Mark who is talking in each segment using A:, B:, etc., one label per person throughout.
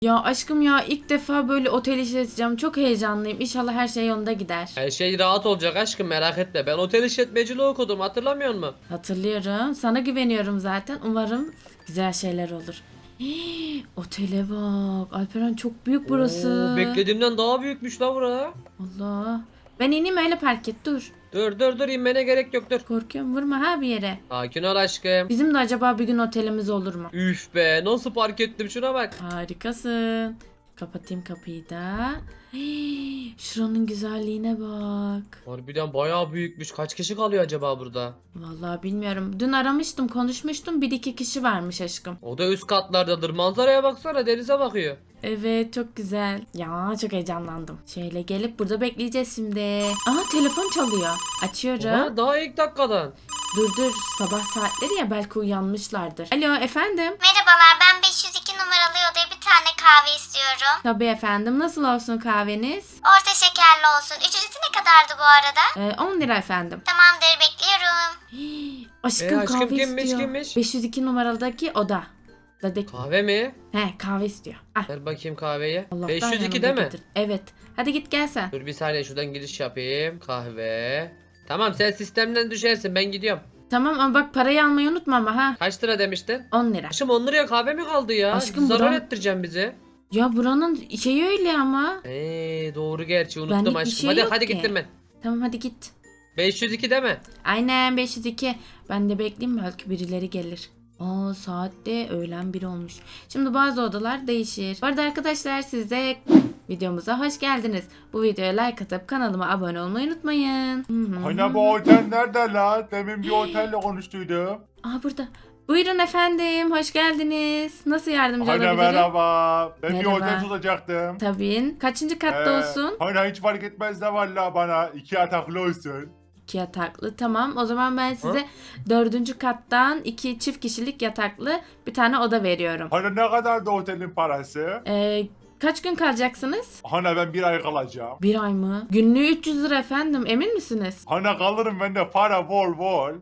A: Ya aşkım ya ilk defa böyle otel işleteceğim. Çok heyecanlıyım. İnşallah her şey yolunda gider.
B: Her şey rahat olacak aşkım, merak etme. Ben otel işletmeciliği okudum, hatırlamıyor musun?
A: Hatırlıyorum. Sana güveniyorum zaten. Umarım güzel şeyler olur. Hii, otele bak. Alperen çok büyük burası.
B: Oo, beklediğimden daha büyükmüş la bura.
A: Allah. Ben ineyim öyle park et dur.
B: Dur inmene gerek yok, dur.
A: Korkuyorum vurma ha bir yere.
B: Sakin ol aşkım.
A: Bizim de acaba bir gün otelimiz olur mu?
B: Üf be, nasıl park ettim, şuna bak.
A: Harikasın. Kapatayım kapıyı da. Hii, şuranın güzelliğine bak.
B: Harbiden bayağı büyükmüş. Kaç kişi kalıyor acaba burada?
A: Vallahi bilmiyorum. Dün aramıştım, konuşmuştum. Bir iki kişi varmış aşkım.
B: O da üst katlardadır. Manzaraya baksana, denize bakıyor.
A: Evet, çok güzel. Ya çok heyecanlandım. Şöyle gelip burada bekleyeceğiz şimdi. Aha telefon çalıyor. Açıyorum.
B: Oha, daha ilk dakikadan.
A: Dur sabah saatleri ya belki uyanmışlardır. Alo efendim.
C: Merhabalar, ben 502 numaralı odaya bir tane kahve istiyorum.
A: Tabii efendim. Nasıl olsun kahveniz?
C: Orta şekerli olsun. Ücreti ne kadardı bu arada?
A: 10 lira efendim.
C: Tamamdır, bekliyorum.
A: Aşkım,
B: aşkım
A: kahve
B: kimmiş,
A: istiyor.
B: kimmiş?
A: 502 numaralıdaki oda. Dadaki.
B: Kahve mi?
A: He kahve istiyor. Ah.
B: Ver bakayım kahveyi.
A: Allah'tan
B: 502
A: yanımda
B: değil mi?
A: getir. Evet. Hadi git gel sen.
B: Dur bir saniye, şuradan giriş yapayım. Kahve. Tamam, sen sistemden düşersin, ben gidiyorum.
A: Tamam ama bak parayı almayı unutma ama ha.
B: Kaç lira demiştin?
A: 10 lira.
B: Aşkım 10 liraya kahve mi kaldı ya?
A: Aşkım,
B: Zarar
A: buram-
B: ettireceğim bizi.
A: Ya buranın şeyi öyle ama.
B: Doğru, gerçi unuttum
A: Benlik bir
B: aşkım.
A: şey
B: hadi
A: yok
B: hadi
A: ki.
B: gittim ben.
A: Tamam hadi git.
B: 502 değil mi?
A: Aynen 502. Ben de bekleyeyim belki birileri gelir. Aa saat de öğlen 1 olmuş. Şimdi bazı odalar değişir. Bu arada arkadaşlar siz de videomuza hoş geldiniz. Bu videoya like atıp kanalıma abone olmayı unutmayın.
D: Hani bu otel nerede la? Demin bir otelle konuştuydum.
A: Aa burada. Buyurun efendim hoş geldiniz. Nasıl yardımcı
D: Hani
A: olabilirim?
D: merhaba. Ben bir
A: Merhaba.
D: otel tutacaktım.
A: Tabii. Kaçıncı katta olsun?
D: Hani hiç fark etmez de valla bana 2 yataklı olsun.
A: 2 yataklı. Tamam. O zaman ben size 4. kattan 2 çift kişilik yataklı bir tane oda veriyorum.
D: Hani ne kadar da otelin parası?
A: Kaç gün kalacaksınız?
D: Hani ben bir ay kalacağım.
A: 1 ay mı? Günlüğü 300 lira efendim. Emin misiniz?
D: Hani kalırım ben de para bol bol.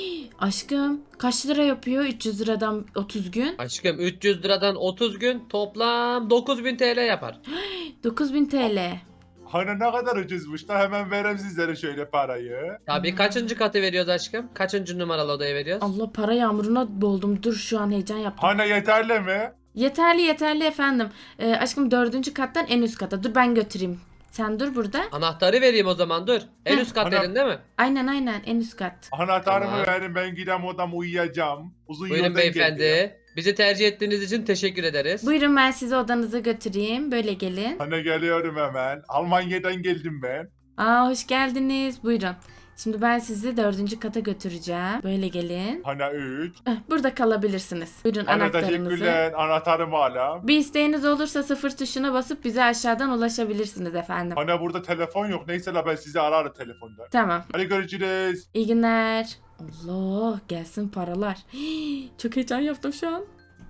A: Aşkım kaç lira yapıyor 300 liradan 30 gün?
B: Aşkım 300 liradan 30 gün toplam 9000 TL yapar.
A: 9000 TL.
D: Hani ne kadar ucuzmuş da hemen vereyim sizlere şöyle parayı.
B: Tabii, kaçıncı katı veriyoruz aşkım? Kaçıncı numaralı odaya veriyoruz?
A: Allah para yağmuruna boğuldum. Dur şu an heyecan yaptım.
D: Hani yeterli mi?
A: Yeterli efendim. Aşkım 4. kattan en üst kata. Dur ben götüreyim. Sen dur burada.
B: Anahtarı vereyim o zaman, dur. En
A: Heh.
B: üst kat
D: Ana-
B: dedin değil mi?
A: Aynen en üst kat.
D: Anahtarımı
B: Tamam.
D: verin, ben gidem odama uyuyacağım. Uzun
B: Buyurun
D: yoldan
B: beyefendi.
D: geldim.
B: Bizi tercih ettiğiniz için teşekkür ederiz.
A: Buyurun ben sizi odanıza götüreyim. Böyle gelin.
D: Hani geliyorum hemen. Almanya'dan geldim ben.
A: Aa hoş geldiniz. Buyurun. Şimdi ben sizi 4. kata götüreceğim. Böyle gelin.
D: Hani 3.
A: Burada kalabilirsiniz. Buyurun
D: Hani
A: anahtarınızı.
D: teşekkürler, anahtarımı alayım.
A: Bir isteğiniz olursa 0 tuşuna basıp bize aşağıdan ulaşabilirsiniz efendim.
D: Hani burada telefon yok. Neyse la ben sizi ararım telefonda.
A: Tamam.
D: Hadi görüşürüz.
A: İyi günler. Allah gelsin paralar. Çok heyecan yaptım şu an.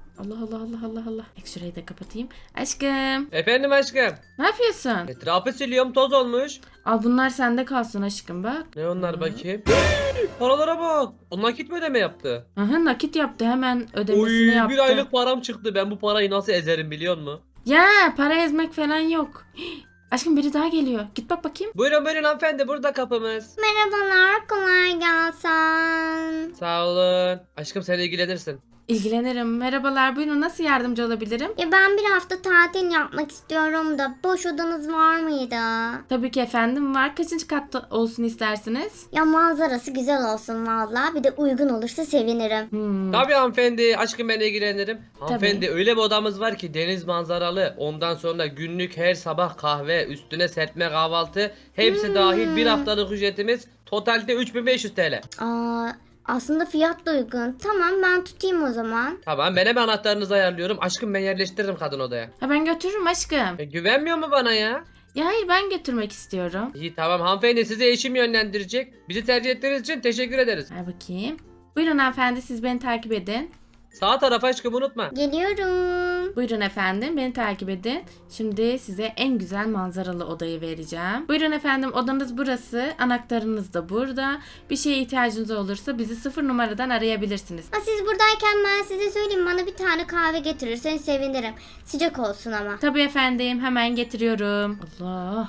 A: Allah. Şurayı da kapatayım. Aşkım
B: Efendim aşkım.
A: ne yapıyorsun?
B: Etrafı siliyorum, toz olmuş.
A: Al bunlar sende kalsın aşkım bak.
B: Ne onlar
A: Hı.
B: bakayım? Paralara bak. O nakit mi ödeme yaptı?
A: Aha nakit yaptı hemen
B: Oy,
A: ödemesini yaptı.
B: bir aylık param çıktı. Ben bu parayı nasıl ezerim biliyor musun?
A: Ya para ezmek falan yok. Aşkım biri daha geliyor. Git bak bakayım.
B: Buyurun hanımefendi, burada kapımız.
C: Merhabalar, kolay gelsin.
B: Sağ olun. Aşkım sen ilgilenirsin.
A: İlgilenirim. Merhabalar buyurun nasıl yardımcı olabilirim?
C: Ya ben bir hafta tatil yapmak istiyorum da boş odanız var mıydı?
A: Tabii ki efendim var. Kaçıncı katta olsun istersiniz?
C: Ya manzarası güzel olsun valla. Bir de uygun olursa sevinirim.
B: Tabii hanımefendi, aşkım ben ilgilenirim. Hanımefendi öyle bir odamız var ki deniz manzaralı. Ondan sonra günlük her sabah kahve, üstüne serpme kahvaltı. Hepsi dahil bir haftalık ücretimiz. Totalde 3500 TL.
C: Aa, aslında fiyat da uygun. Tamam ben tutayım o zaman.
B: Tamam, ben hemen anahtarınızı ayarlıyorum. Aşkım ben yerleştiririm kadın odaya.
A: Ha ben götürürüm aşkım.
B: Güvenmiyor mu bana ya?
A: Ya hayır ben götürmek istiyorum.
B: İyi tamam hanımefendi, sizi eşim yönlendirecek. Bizi tercih ettiğiniz için teşekkür ederiz.
A: Ver bakayım. Buyurun hanımefendi siz beni takip edin.
B: Sağ taraf aşkım unutma.
C: Geliyorum.
A: Buyurun efendim, beni takip edin. Şimdi size en güzel manzaralı odayı vereceğim. Buyurun efendim, odanız burası. Anahtarınız da burada. Bir şeye ihtiyacınız olursa bizi 0 numaradan arayabilirsiniz.
C: Ha, siz buradayken ben size söyleyeyim, bana bir tane kahve getirirseniz sevinirim. Sıcak olsun ama.
A: Tabii efendim, hemen getiriyorum. Allah.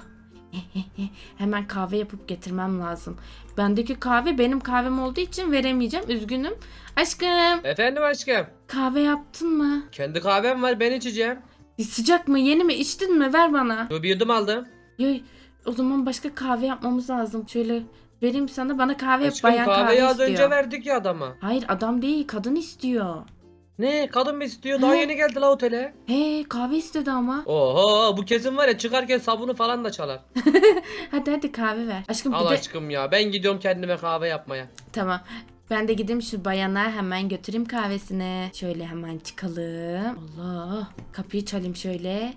A: Hemen kahve yapıp getirmem lazım. Bendeki kahve benim kahvem olduğu için veremeyeceğim. Üzgünüm. Aşkım,
B: Efendim aşkım.
A: kahve yaptın mı?
B: Kendi kahvem var, ben içeceğim.
A: Sıcak mı? Yeni mi? İçtin mi? Ver bana.
B: Yo, bir yudum aldım.
A: Yo, o zaman başka kahve yapmamız lazım. Şöyle vereyim sana. Bana kahve yap.
B: Aşkım
A: Bayan
B: kahveyi
A: kahve
B: az
A: istiyor.
B: önce verdik ya adama.
A: Hayır, adam değil, kadın istiyor.
B: Ne, kadın mı istiyor? Daha
A: Hı.
B: yeni geldi la otele.
A: He, kahve istedi ama.
B: Oho, bu kesin var ya, çıkarken sabunu falan da çalar.
A: Hadi kahve ver. Aşkım
B: Al
A: bir de...
B: aşkım ya, ben gidiyorum kendime kahve yapmaya.
A: Tamam. Ben de gideyim şu bayana hemen götüreyim kahvesini. Şöyle hemen çıkalım. Allah. Kapıyı çalayım şöyle.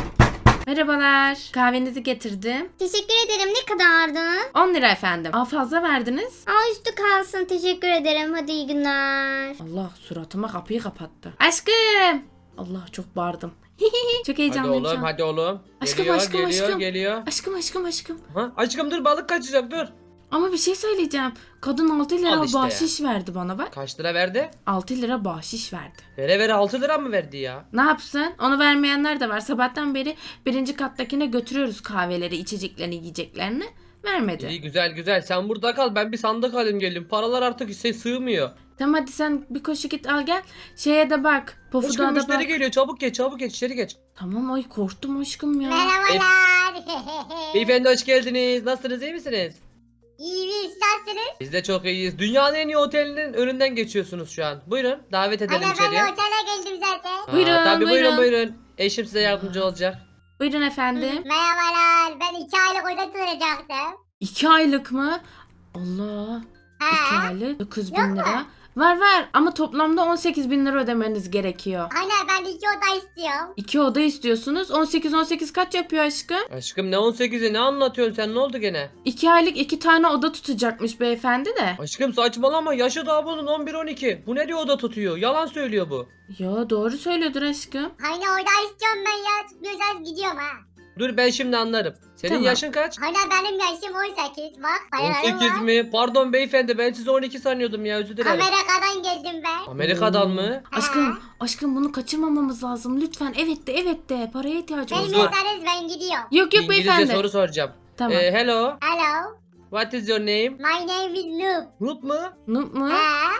A: Merhabalar. Kahvenizi getirdim.
C: Teşekkür ederim. Ne kadardı?
A: 10 lira efendim. Aa, fazla verdiniz.
C: Aa, üstü kalsın. Teşekkür ederim. Hadi iyi günler.
A: Allah, suratıma kapıyı kapattı. Aşkım. Allah, çok bağırdım. Çok
B: Hadi
A: heyecanlıyım şu
B: oğlum,
A: an.
B: hadi oğlum.
A: Aşkım,
B: Geliyor,
A: aşkım,
B: geliyor,
A: aşkım.
B: geliyor.
A: Aşkım.
B: Ha? Aşkım dur, balık kaçacak, dur.
A: Ama bir şey söyleyeceğim. Kadın 6 lira
B: Al işte ya.
A: bahşiş verdi bana bak.
B: Kaç lira verdi?
A: 6 lira bahşiş verdi.
B: Vere vere 6 lira mı verdi ya?
A: Ne yapsın? Onu vermeyenler de var. Sabahtan beri birinci kattakine götürüyoruz kahveleri, içeceklerini, yiyeceklerini. Vermedi.
B: İyi, güzel güzel, sen burada kal, ben bir sandık alayım geleyim. Paralar artık sığmıyor.
A: Tamam, hadi sen bir koşu git al gel. Şeye de bak.
B: Aşkım
A: Pofuda da
B: müşteri
A: bak.
B: geliyor, çabuk geç içeri geç.
A: Tamam, ay korktum aşkım ya.
C: Merhabalar.
B: Beyefendi hoş geldiniz, nasılsınız, iyi misiniz?
C: İyi bir isterseniz.
B: Biz de çok iyiyiz. Dünyanın en iyi otelinin önünden geçiyorsunuz şu an. Buyurun, davet edelim içeriye.
C: otele geldim zaten.
B: Aa,
A: Buyurun,
B: tabii
A: buyurun.
B: buyurun. Eşim size yardımcı olacak.
A: Buyurun efendim.
C: Merhabalar. Ben 2 aylık oda tutacaktım.
A: 2 aylık mı? Allah. 2 aylık 9.000 lira. Var ama toplamda 18.000 lira ödemeniz gerekiyor.
C: Aynen, ben 2 oda istiyorum.
A: 2 oda istiyorsunuz. 18 kaç yapıyor aşkım?
B: Aşkım ne 18'i, ne anlatıyorsun sen, ne oldu gene?
A: 2 aylık 2 tane oda tutacakmış beyefendi de.
B: Aşkım saçmalama, yaşı daha bunun 11-12. Bu ne diyor, oda tutuyor, yalan söylüyor bu.
A: Ya doğru söylüyordur aşkım.
C: Aynen, oda istiyorum ben ya. Tutmuyorsanız gidiyorum ha.
B: Dur ben şimdi anlarım. Senin
A: Tamam.
B: yaşın kaç?
C: Aynen, benim yaşım 18. Bak, paralarım
B: 18
C: var.
B: mi? Pardon beyefendi, ben sizi 12 sanıyordum ya, özür dilerim.
C: Amerika'dan geldim ben.
B: Amerika'dan mı?
A: Aşkım bunu kaçırmamamız lazım. Lütfen evet de paraya ihtiyacımız
C: Benim
A: var.
C: yerseniz ben gidiyorum.
A: Yok
B: İngilizce
A: beyefendi.
B: soru soracağım.
A: Tamam.
B: Hello,
C: Hello.
B: what is your name?
C: My name is Noob.
B: Noob mu?
A: Noob mu?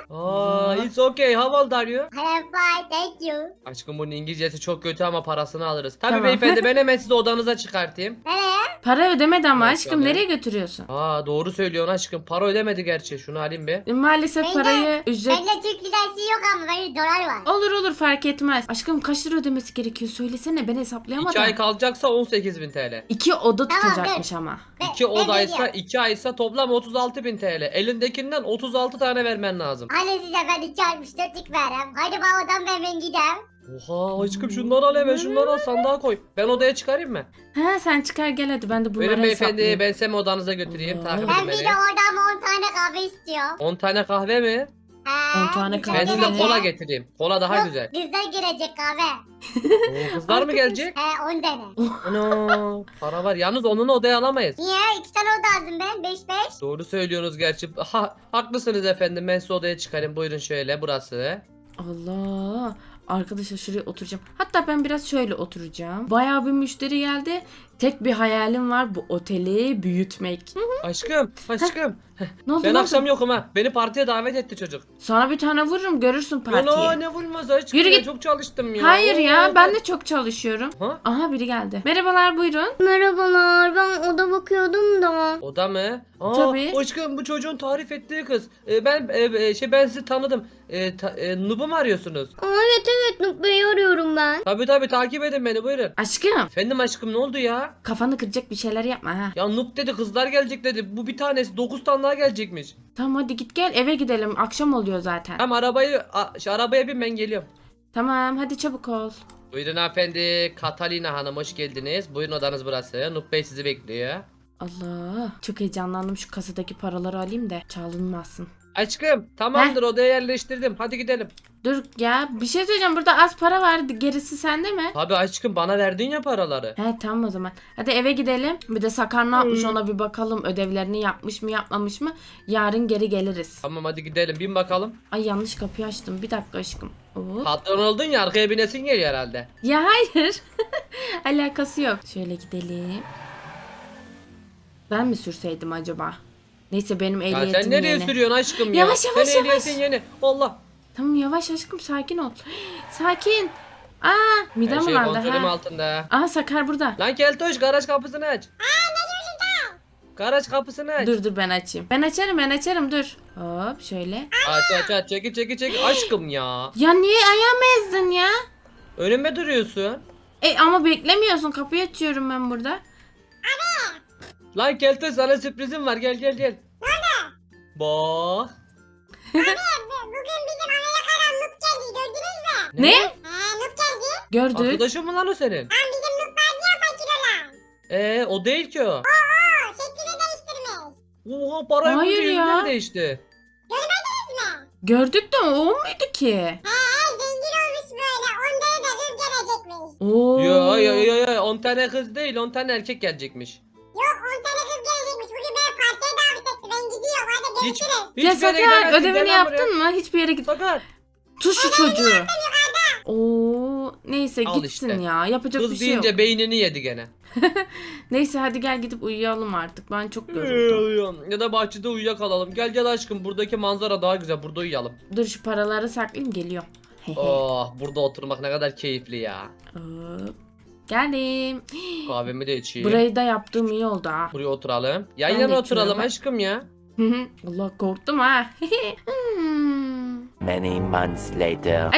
B: It's okay, how old are you?
C: I am fine, thank you.
B: Aşkım bunun İngilizcesi çok kötü ama parasını alırız. Tabii
A: Tamam.
B: beyefendi, ben hemen sizi odanıza çıkartayım.
C: Nereye?
A: Para ödemedi ama
B: Yok,
A: aşkım,
B: tabii.
A: nereye götürüyorsun?
B: Doğru söylüyorsun aşkım, para ödemedi gerçi, şunu alayım be.
A: Maalesef
C: Bende-
A: parayı ücret...
C: Bende Türk lirası yok ama benim dolar var.
A: Olur fark etmez. Aşkım kaç lira ödemesi gerekiyor? Söylesene, ben hesaplayamadım.
B: 2 ay kalacaksa 18.000 TL.
A: 2 oda
C: Tamam,
A: tutacakmış ama.
B: 2 odaysa 2 aysa toplam 36.000 TL. Elindekinden 36 tane vermen lazım.
C: Hani size ben 2.64'lük verem. Hadi bana odan ben gideyim.
B: Oha aşkım, şunları al hemen, şunları al sandığa koy. Ben odaya çıkarayım mı?
A: He, sen çıkar gel hadi, ben de bunları
B: Buyurun beyefendi,
A: hesaplayayım.
B: ben sizi odanıza götüreyim.
A: Allah.
B: Takip
C: Ben
B: edin
C: bir de
B: beni.
C: oradan 10 tane kahve istiyorum.
B: 10 tane kahve mi?
A: 10 tane
C: kızlar
A: kahve
B: Ben
A: mi?
B: size
C: gelecek.
B: kola getireyim. Kola daha
C: Yok,
B: güzel.
C: Kızlar girecek kahve.
B: Oo, kızlar mı gelecek?
C: 10 tane.
B: Ana, para var. Yalnız onu odaya alamayız.
C: Niye? 2 tane oda aldım ben. 5-5.
B: Doğru söylüyorsunuz gerçi. Haklısınız efendim. Ben sizi odaya çıkarayım. Buyurun şöyle, burası.
A: Allah. Arkadaşlar şuraya oturacağım. Hatta ben biraz şöyle oturacağım. Bayağı bir müşteri geldi. Tek bir hayalim var, bu oteli büyütmek. Hı,
B: Aşkım.
A: ne oldu?
B: Ben
A: ne
B: akşam
A: oldu?
B: yokum ha. Beni partiye davet etti çocuk.
A: Sana bir tane vururum, görürsün partiyi.
B: Ana ne vurmaz aşkım
A: Yürü
B: ya,
A: git.
B: çok çalıştım ya.
A: Hayır ya,
B: Oo,
A: ben de çok çalışıyorum.
B: Ha?
A: Aha, biri geldi. Merhabalar, buyurun.
C: Merhabalar, ben oda bakıyordum da.
B: Oda mı?
A: Tabii.
B: Aşkım bu çocuğun tarif ettiği kız. Ben sizi tanıdım. Nub'u mu arıyorsunuz?
C: Evet, Nuk Bey'i arıyorum ben.
B: Tabii takip edin beni, buyurun.
A: Aşkım,
B: Efendim aşkım, ne oldu ya?
A: kafanı kıracak bir şeyler yapma ha.
B: Ya Nub dedi, kızlar gelecek dedi. Bu bir tanesi 9 tane daha gelecekmiş.
A: Tamam hadi git gel, eve gidelim. Akşam oluyor zaten.
B: Tamam şu arabaya bin, ben geliyorum.
A: Tamam hadi çabuk ol.
B: Buyurun hanımefendi. Catalina Hanım hoş geldiniz. Buyurun, odanız burası. Nub Bey sizi bekliyor.
A: Allah, çok heyecanlandım, şu kasadaki paraları alayım da çalınmasın.
B: Aşkım tamamdır, odaya yerleştirdim. Hadi gidelim.
A: Dur ya, bir şey söyleyeceğim, burada az para var, gerisi sende mi?
B: Abi aşkım, bana verdin ya paraları.
A: He tamam o zaman. Hadi eve gidelim. Bir de Sakar ne yapmış ona bir bakalım. Ödevlerini yapmış mı yapmamış mı? Yarın geri geliriz.
B: Tamam hadi gidelim, bin bakalım.
A: Ay yanlış kapıyı açtım. Bir dakika aşkım. Hop.
B: Patron oldun ya, arkaya binesin geliyor herhalde.
A: Ya hayır. Alakası yok. Şöyle gidelim. Ben mi sürseydim acaba? Neyse benim
B: Ya
A: ehliyetim
B: sen nereye
A: yeni.
B: sürüyorsun aşkım ya?
A: Yavaş, yavaş,
B: Senin ehliyetin
A: yavaş.
B: yeni. Allah.
A: Tamam yavaş aşkım, sakin ol. Sakin. Aa
B: Her
A: midem
B: şey
A: bulandı
B: kontrolüm
A: ha.
B: altında.
A: Aa Sakar burada.
B: Lan Keltoş, garaj kapısını aç. Garaj kapısını aç.
A: Dur ben açayım. Ben açarım dur. Hop şöyle.
B: Aç çekil. Aşkım ya.
A: Ya niye ayağımı ezdin ya?
B: Önüme duruyorsun.
A: Ama beklemiyorsun, kapıyı açıyorum ben burada.
B: Lan Keltoş, sana sürprizim var, gel. Nerede? Bak.
C: Bugün bizim Amerika'dan Nup geldi, gördünüz mü?
A: Ne?
C: Nup geldi.
A: Gördük.
B: Arkadaşım mı lan o senin?
C: Bizim Nup vardı ya fakir olan.
B: O değil ki o.
C: Şeklini değiştirmiş.
B: Oha, parayı
A: Hayır
B: bulunca
A: ya.
B: yüzünden değişti.
A: Gördük de o muydu ki?
C: Zengin olmuş böyle. Onlara da kız gelecekmiş.
A: Oo.
B: Ya 10 tane kız değil, 10 tane erkek gelecekmiş.
C: Yok 10 tane kız gelecekmiş. Bugün beni partiye davet etti. Ben gidiyorum. Hadi
B: Hiç,
C: görüşürüz.
B: hiç
A: Ya
B: bir yere
A: Sakar
B: gidemezsin,
A: ödevini
B: gel lan buraya.
A: yaptın mı? Hiçbir yere git.
B: Sakar.
A: Tut şu çocuğu. Oo, neyse
B: Al
A: gitsin
B: işte.
A: ya. Yapacak bir
B: Kız
A: şey yok.
B: deyince beynini yedi gene.
A: Neyse hadi gel gidip uyuyalım artık. Ben çok yoruldum.
B: Ya da bahçede uyuyakalalım. Gel aşkım, buradaki manzara daha güzel, burada uyuyalım.
A: Dur şu paraları saklayayım, geliyorum.
B: Oh, burada oturmak ne kadar keyifli ya.
A: Hop. Geldim.
B: Kahvemi de içeyim.
A: Burayı da yaptığım iyi oldu ha.
B: Buraya oturalım. Yan
A: Ben de
B: yana
A: içiyorum
B: oturalım
A: bak.
B: aşkım ya.
A: Allah korktum ha.
E: Many months later.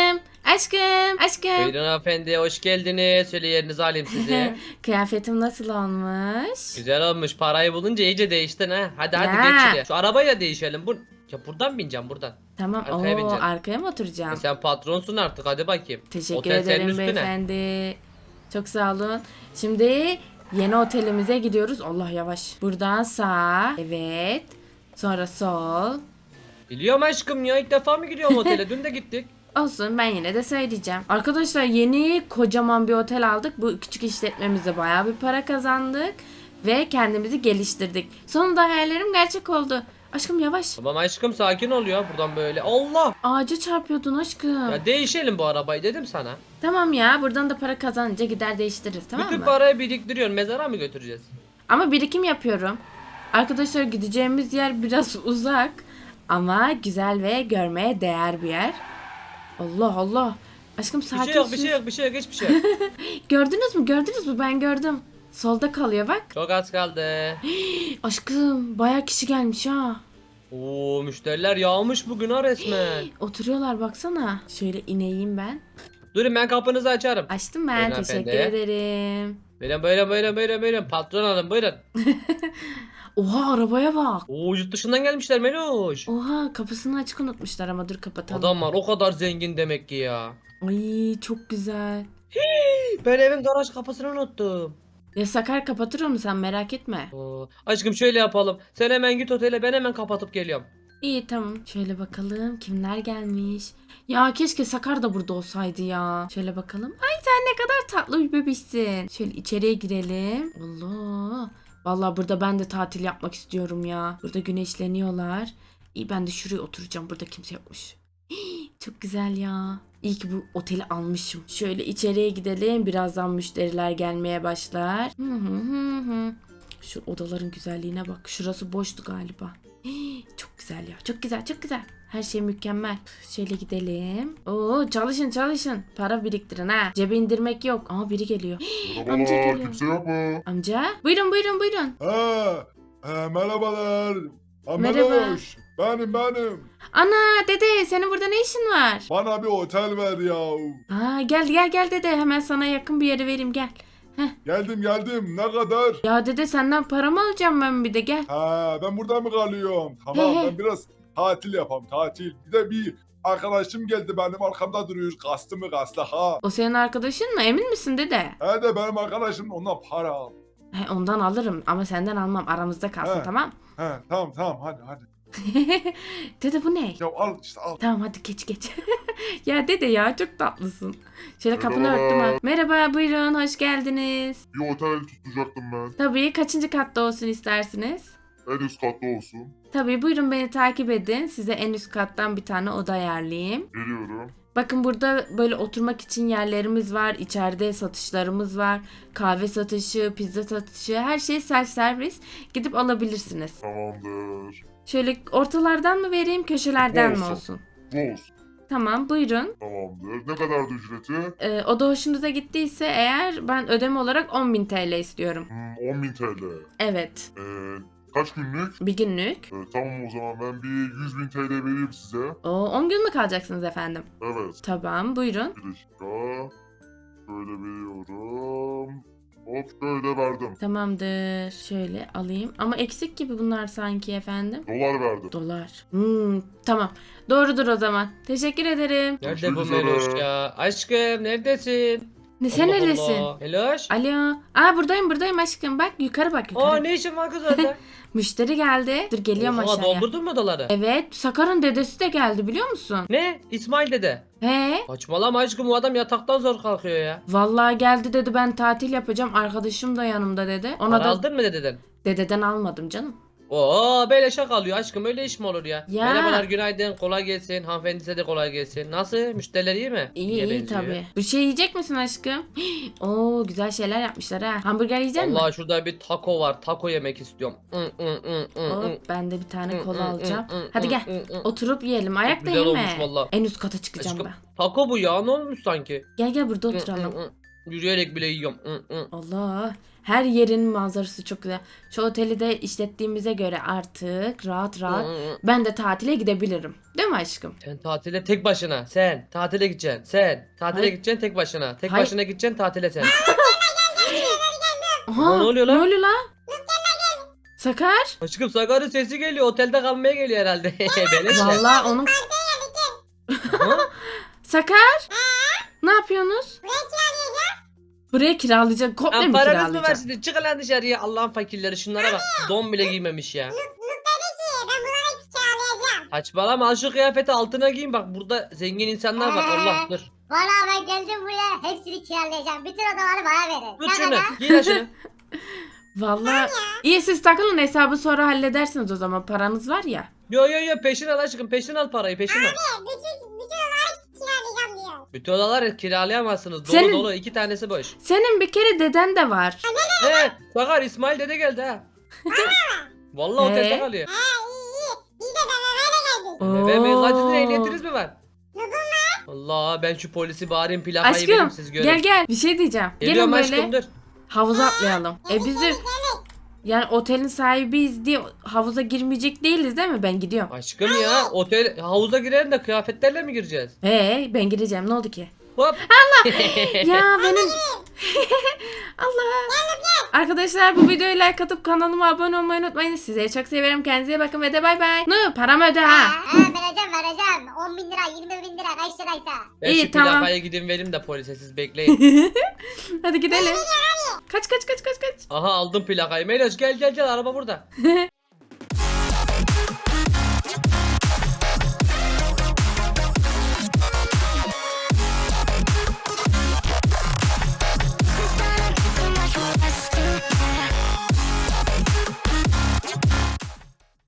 A: Aşkım.
B: Buyurun hanımefendi, hoş geldiniz. Şöyle yerinizi alayım sizi.
A: Kıyafetim nasıl olmuş?
B: Güzel olmuş. Parayı bulunca iyice değiştin ha. Hadi
A: Ya.
B: geç şuraya. Şu arabayla değişelim. Ya buradan bineceğim buradan.
A: Tamam.
B: Arkaya
A: Oo,
B: bineceğim.
A: arkaya mı oturacağım?
B: Sen patronsun artık, hadi bakayım.
A: Teşekkür
B: Otel senin
A: ederim
B: üstüne.
A: beyefendi. Çok sağ olun. Şimdi yeni otelimize gidiyoruz. Allah yavaş. Buradan sağ. Evet. Sonra sol.
B: Biliyorum aşkım ya, ilk defa mı gidiyorum otele? Dün de gittik.
A: Olsun, ben yine de söyleyeceğim. Arkadaşlar yeni kocaman bir otel aldık. Bu küçük işletmemizde bayağı bir para kazandık. Ve kendimizi geliştirdik. Sonunda hayallerim gerçek oldu. Aşkım yavaş.
B: Tamam aşkım, sakin ol ya, buradan böyle. Allah!
A: Ağaca çarpıyordun aşkım.
B: Ya değişelim bu arabayı dedim sana.
A: Tamam ya, buradan da para kazanınca gider değiştiririz, tamam
B: Bütün
A: mı?
B: parayı biriktiriyorsun, mezara mı götüreceğiz?
A: Ama birikim yapıyorum. Arkadaşlar gideceğimiz yer biraz uzak. Ama güzel ve görmeye değer bir yer. Allah Allah. Aşkım
B: Bir
A: sakin
B: şey yok,
A: sür.
B: hiçbir şey yok.
A: Gördünüz mü? Ben gördüm. Solda kalıyor bak.
B: Çok az kaldı.
A: Aşkım bayağı kişi gelmiş ha.
B: Oo, müşteriler yağmış bugün ha resmen.
A: Oturuyorlar baksana. Şöyle ineyim ben.
B: Durun, ben kapınızı açarım.
A: Açtım ben.
B: Buyurun
A: Teşekkür
B: hanımefendi.
A: ederim.
B: Buyurun. Patron hanım buyurun.
A: Oha arabaya bak.
B: Oo, yurt dışından gelmişler Meloş.
A: Oha kapısını açık unutmuşlar ama dur kapatalım.
B: Adamlar o kadar zengin demek ki ya.
A: Ay çok güzel.
B: Ben evin garaj kapısını unuttum.
A: Ya Sakar kapatır onu, sen merak etme.
B: Oo, aşkım şöyle yapalım. Sen hemen git otele, ben hemen kapatıp geliyorum.
A: İyi tamam. Şöyle bakalım kimler gelmiş. Ya keşke Sakar da burada olsaydı ya. Şöyle bakalım. Ay sen ne kadar tatlı bir bebişsin. Şöyle içeriye girelim. Allah. Vallahi burada ben de tatil yapmak istiyorum ya. Burada güneşleniyorlar. İyi ben de şuraya oturacağım. Burada kimse yokmuş. Hii, çok güzel ya. İyi ki bu oteli almışım. Şöyle içeriye gidelim. Birazdan müşteriler gelmeye başlar. Şu odaların güzelliğine bak. Şurası boştu galiba. Hii, çok güzel ya. Çok güzel. Her şey mükemmel. Şöyle gidelim. Oo çalışın. Para biriktirin ha. Cebe indirmek yok. Aa biri geliyor. Amca
D: Merhabalar,
A: geliyor.
D: kimse yok mu?
A: Amca. Buyurun.
D: Merhabalar.
A: Merhaba.
D: Meloş. Benim.
A: Ana dede senin burada ne işin var?
D: Bana bir otel ver ya.
A: Ha gel dede. Hemen sana yakın bir yere vereyim gel.
D: Geldim. Ne kadar?
A: Ya dede senden para mı alacağım ben bir de gel.
D: Ben burada mı kalıyorum? Tamam,
A: He.
D: ben biraz tatil yapam, tatil. Bir de bir arkadaşım geldi, benim arkamda duruyor. Kastı mı ha.
A: O senin arkadaşın mı? Emin misin dede?
D: He de benim arkadaşım, ondan para al.
A: He, ondan alırım ama senden almam. Aramızda kalsın
D: He.
A: tamam.
D: He, tamam hadi.
A: Dede bu ne?
D: Ya al işte al.
A: Tamam hadi geç. Ya dede ya çok tatlısın. Şöyle kapını
E: Merhaba.
A: örttüm ha. Merhaba buyurun hoş geldiniz.
E: Bir otel tutacaktım ben.
A: Tabii kaçıncı katta olsun istersiniz?
E: En üst katta olsun.
A: Tabii buyurun beni takip edin. Size en üst kattan bir tane oda ayarlayayım.
E: Geliyorum.
A: Bakın burada böyle oturmak için yerlerimiz var. İçeride satışlarımız var. Kahve satışı, pizza satışı her şey self servis. Gidip alabilirsiniz.
E: Tamamdır.
A: Şöyle ortalardan mı vereyim köşelerden mi
E: Olsun.
A: olsun?
E: Bu olsun.
A: Tamam buyurun.
E: Tamamdır. Ne kadardı ücreti?
A: O da hoşunuza gittiyse eğer ben ödeme olarak 10.000 TL istiyorum.
E: 10.000 TL.
A: Evet.
E: Kaç günlük?
A: Bir günlük.
E: Tamam o zaman ben bir 100.000 TL vereyim size.
A: O 10 gün mü kalacaksınız efendim?
E: Evet.
A: Tamam buyurun.
E: Bir dakika. Şöyle veriyorum. Hop şöyle verdim.
A: Tamamdır. Şöyle alayım. Ama eksik gibi bunlar sanki efendim.
E: Dolar verdim.
A: Dolar. Tamam. Doğrudur o zaman. Teşekkür ederim.
B: Nerede bu
E: Görüşmek
B: Meloş
E: üzere.
B: ya? Aşkım neredesin?
A: Ne sen
B: Allah
A: neredesin?
B: Allah. Meloş?
A: Alo. Buradayım aşkım. Bak yukarı bak yukarı.
B: Aa ne işin var kız orada?
A: Müşteri geldi. Dur geliyorum
B: Oha,
A: aşağıya.
B: doldurdun mu doları?
A: Evet. Sakar'ın dedesi de geldi biliyor musun?
B: Ne? İsmail dede.
A: He.
B: Saçmalama aşkım, o adam yataktan zor kalkıyor ya.
A: Vallahi geldi dedi ben tatil yapacağım. Arkadaşım da yanımda dedi. Ona
B: Para
A: da
B: aldın mı dededen?
A: dededen almadım canım.
B: Oo beleşe kalıyor aşkım, öyle iş mi olur ya?
A: Ya.
B: Merhabalar, günaydın, kolay gelsin. Hanımefendi size de kolay gelsin. Nasıl? Müşteriler iyi mi?
A: İyi
B: benziyor.
A: tabii. Bir şey yiyecek misin aşkım? Oo güzel şeyler yapmışlar ha. Hamburger yiyecek misin?
B: Allah, şurada bir taco var. Taco yemek istiyorum.
A: Hop ben de bir tane kola
B: Hı,
A: alacağım.
B: hı, hı,
A: Hadi
B: hı,
A: gel.
B: hı, hı.
A: Oturup yiyelim. Ayakta
B: güzel
A: yeme.
B: olmuş valla.
A: En üst kata çıkacağım
B: Aşkım,
A: ben.
B: taco bu ya, ne olmuş sanki?
A: Gel burada
B: Hı, hı,
A: oturalım.
B: hı. Yürüyerek bile yiyorum.
A: Allah. Her yerin manzarası çok güzel. Şu oteli de işlettiğimize göre artık rahat rahat ben de tatile gidebilirim. Değil mi aşkım?
B: Sen tatile tek başına. Sen tatile gideceksin. Sen tatile
A: Hayır.
B: gideceksin tek başına. Tek
A: Hayır.
B: başına gideceksin tatile sen.
A: Aha,
B: ne oluyor lan?
A: Ne oluyor lan? Sakar?
B: Aşkım, Sakar'ın sesi geliyor. Otelde kalmaya geliyor herhalde. Beleşle.
A: Vallahi onun...
B: Ha?
A: Sakar? Ne yapıyorsunuz? Buraya kiralayacak. Komple
B: Lan
A: mi
B: paranız mı var
A: kiralayacak?
B: sizin? Çıkın lan dışarıya. Allah'ın fakirleri, şunlara bak. Don bile giymemiş ya. Saçmalama, al şu kıyafeti altına giyin, bak burada zengin insanlar var. Allah dur.
C: Valla ben geldim buraya hepsini kiralayacağım. Bütün odaları bana verin.
B: Tut şunu. Giy lan şunu.
A: Vallahi iyi siz takılın hesabı sonra halledersiniz o zaman paranız var ya.
B: Yo peşin al aşkım, peşin al parayı, peşin al.
C: Bütün odaları kiralayacağım diyor.
B: Bütün odaları kiralayamazsınız. Dolu
A: Senin-
B: dolu, 2 tanesi boş.
A: Senin bir kere deden de var.
B: He, Sakar, İsmail dede geldi ha. Vallahi otelde kalıyor.
C: Biz de beraber geldik.
B: Ve
A: Oo.
B: kaç lira ehliyetiniz mi var? Allah, ben şu polisi bağırayım, plakayı
A: Aşkım
B: vereyim, siz görün.
A: gel bir şey diyeceğim.
B: Geliyorum
A: Gelin böyle
B: aşkım, dur.
A: havuza atlayalım. Biz de yani otelin sahibiyiz diye havuza girmeyecek değiliz değil mi? Ben gidiyorum.
B: Aşkım ya, otel havuza girelim de kıyafetlerle mi gireceğiz?
A: Ben gireceğim ne oldu ki?
B: Hop.
A: Ya benim... Allah. Arkadaşlar bu videoyu like atıp kanalıma abone olmayı unutmayın. Sizleri çok severim. Kendinize iyi bakın ve de bay bay. Paramı öde ha.
C: Vereceğim. 10 bin lira, 20 bin lira kaç liraysa.
B: Ben
A: İyi,
B: şu
A: tamam.
B: plakayı gidin vereyim de polise, siz bekleyin.
A: Hadi gidelim. Kaç.
B: Aha, aldım plakayı. Meloş gel araba burada.